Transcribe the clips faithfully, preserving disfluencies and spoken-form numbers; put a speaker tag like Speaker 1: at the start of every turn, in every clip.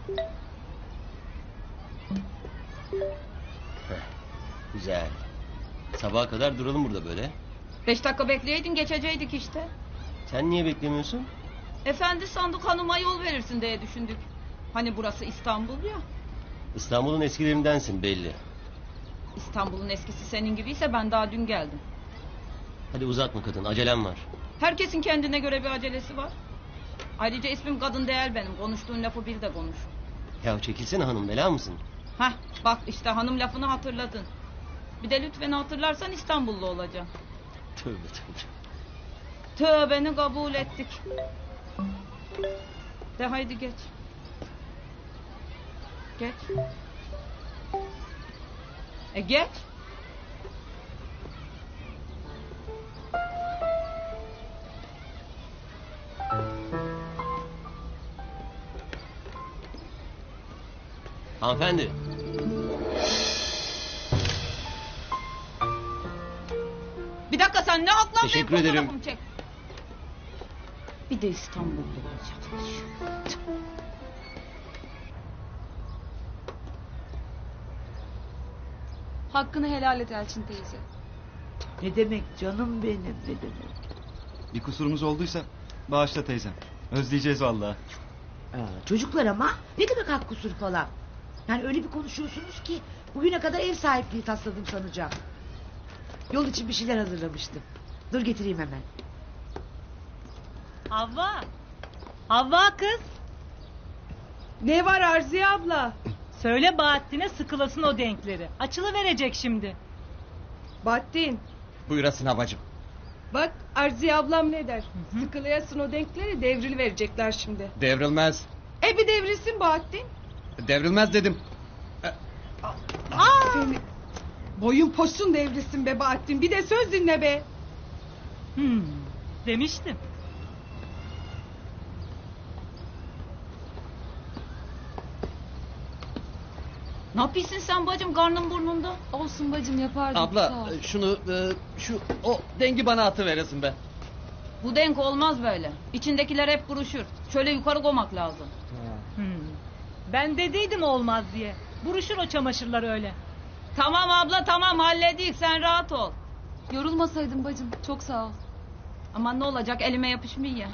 Speaker 1: Heh, güzel. Sabaha kadar duralım burada böyle.
Speaker 2: Beş dakika bekleyeydin geçeceydik işte.
Speaker 1: Sen niye beklemiyorsun?
Speaker 2: Efendi sandık hanıma yol verirsin diye düşündük. Hani burası İstanbul ya.
Speaker 1: İstanbul'un eskilerindensin belli.
Speaker 2: İstanbul'un eskisi senin gibiyse ben daha dün geldim.
Speaker 1: Hadi uzatma kadın, acelem var.
Speaker 2: Herkesin kendine göre bir acelesi var. Ayrıca ismim kadın değil benim. Konuştuğun lafı bil de konuş.
Speaker 1: Ya çekilsene hanım, bela mısın?
Speaker 2: Hah bak işte hanım lafını hatırladın. Bir de lütfen hatırlarsan İstanbullu olacaksın.
Speaker 1: Tövbe tövbe.
Speaker 2: Tövbeni kabul ettik. De haydi geç. Geç. E geç.
Speaker 1: Hanımefendi.
Speaker 2: Bir dakika sen ne aklan
Speaker 1: Teşekkür
Speaker 2: benim
Speaker 1: ederim.
Speaker 2: fotoğrafımı çek. Bir de İstanbul'da olacakmış.
Speaker 3: Hakkını helal et Elçin teyze.
Speaker 4: Ne demek canım benim, ne demek?
Speaker 5: Bir kusurumuz olduysa bağışla teyzem. Özleyeceğiz vallahi.
Speaker 4: Aa, çocuklar ama ne demek hak kusur falan? Yani öyle bir konuşuyorsunuz ki bugüne kadar ev sahipliği tasladım sanacağım. Yol için bir şeyler hazırlamıştım. Dur getireyim hemen.
Speaker 6: Havva. Havva kız.
Speaker 7: Ne var Arziye abla?
Speaker 6: Söyle Bahattin'e sıkılasın o denkleri. Açılıverecek şimdi.
Speaker 7: Bahattin.
Speaker 8: Buyurasın havacım.
Speaker 7: Bak Arziye ablam ne der? Sıkılayasın o denkleri devril verecekler şimdi.
Speaker 8: Devrilmez.
Speaker 7: E bir devrilsin Bahattin.
Speaker 8: Devrilmez dedim.
Speaker 7: Seni... Boyun posun devrilsin be Bahattin. Bir de söz dinle be.
Speaker 6: Hmm, demiştim.
Speaker 2: Ne yapıyorsun sen bacım karnın burnunda?
Speaker 3: Olsun bacım yapardım. Sağ
Speaker 8: Abla
Speaker 3: ol.
Speaker 8: şunu e, şu o dengi bana atıveresin be.
Speaker 2: Bu denk olmaz böyle. İçindekiler hep buruşur. Şöyle yukarı koymak lazım.
Speaker 6: Hmm. Ben dediydim olmaz diye. Buruşur o çamaşırlar öyle.
Speaker 2: Tamam abla tamam halledik sen rahat ol.
Speaker 3: Yorulmasaydın bacım. Çok sağ ol.
Speaker 2: Aman ne olacak elime yapışmıyor ya.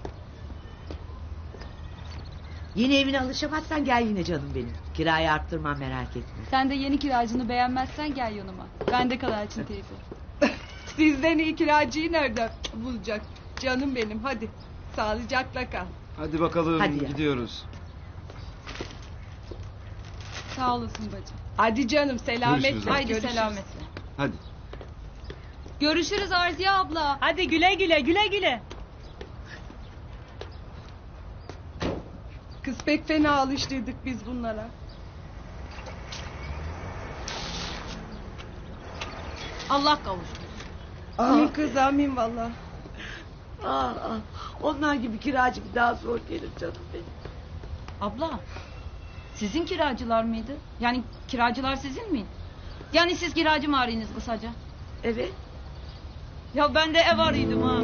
Speaker 4: Yeni evine alışamazsan gel yine canım benim. Kirayı arttırmam, merak etme.
Speaker 3: Sen de yeni kiracını beğenmezsen gel yanıma. Ben de kal Elçin teyze.
Speaker 7: Sizden iyi kiracıyı nereden bulacak? Canım benim hadi. Sağlıcakla kal.
Speaker 5: Hadi bakalım,
Speaker 4: Hadi ya.
Speaker 5: gidiyoruz.
Speaker 3: Sağ olasın bacım.
Speaker 7: Hadi canım selametle.
Speaker 5: Görüşürüz.
Speaker 2: Haydi
Speaker 7: Görüşürüz.
Speaker 2: selametle.
Speaker 5: Hadi.
Speaker 3: Görüşürüz Arziye abla.
Speaker 6: Hadi güle güle güle güle.
Speaker 7: Kız pek fena alıştırdık biz bunlara.
Speaker 2: Allah kavuştur.
Speaker 7: Amin kız amin valla.
Speaker 4: Aa, aa, onlar gibi kiracı bir daha zor gelir canım benim.
Speaker 2: Abla sizin kiracılar mıydı? Yani kiracılar sizin miydi? Yani siz kiracı mı arıyorsunuz kısaca?
Speaker 4: Evet.
Speaker 2: Ya ben de ev arıyordum ha.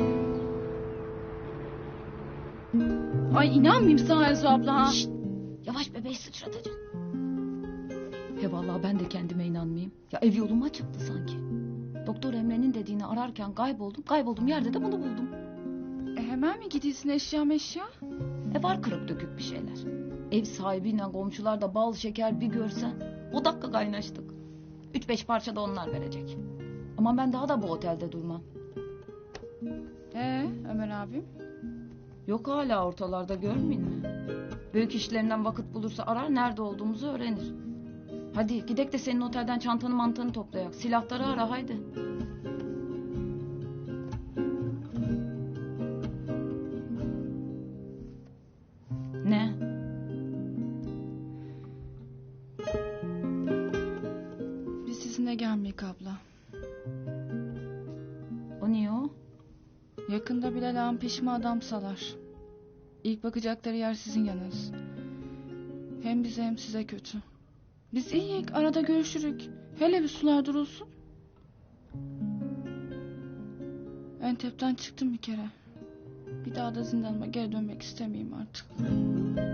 Speaker 3: Ay inanmayayım sana Elsu abla ha.
Speaker 2: Şşt, yavaş bebeği sıçratacaksın. He vallahi ben de kendime inanmayayım. Ya ev yoluma çıktı sanki. Doktor Emre'nin dediğini ararken kayboldum. Kayboldum yerde de bunu buldum.
Speaker 3: E hemen mi gidiyorsun eşya meşya?
Speaker 2: E var kırık dökük bir şeyler. Ev sahibiyle komşular da bal şeker bir görsen. O dakika kaynaştık. Üç beş parça da onlar verecek. Ama ben daha da bu otelde durmam.
Speaker 3: Ee Ömer abim?
Speaker 2: Yok hala ortalarda görmeyin mi? Büyük işlerinden vakit bulursa arar nerede olduğumuzu öğrenir. Hadi gidek de senin otelden çantanı mantanı toplayak. Silahları ara haydi. Ne?
Speaker 3: Biz sizinle gelmeyik abla.
Speaker 2: O niye o?
Speaker 3: Yakında Bilal ağam peşime adam salar. İlk bakacakları yer sizin yanınız. Hem bize hem size kötü. Biz iyiyik, arada görüşürük. Hele bir sular durulsun. Entep'ten çıktım bir kere. Bir daha da zindanıma geri dönmek istemeyeyim artık.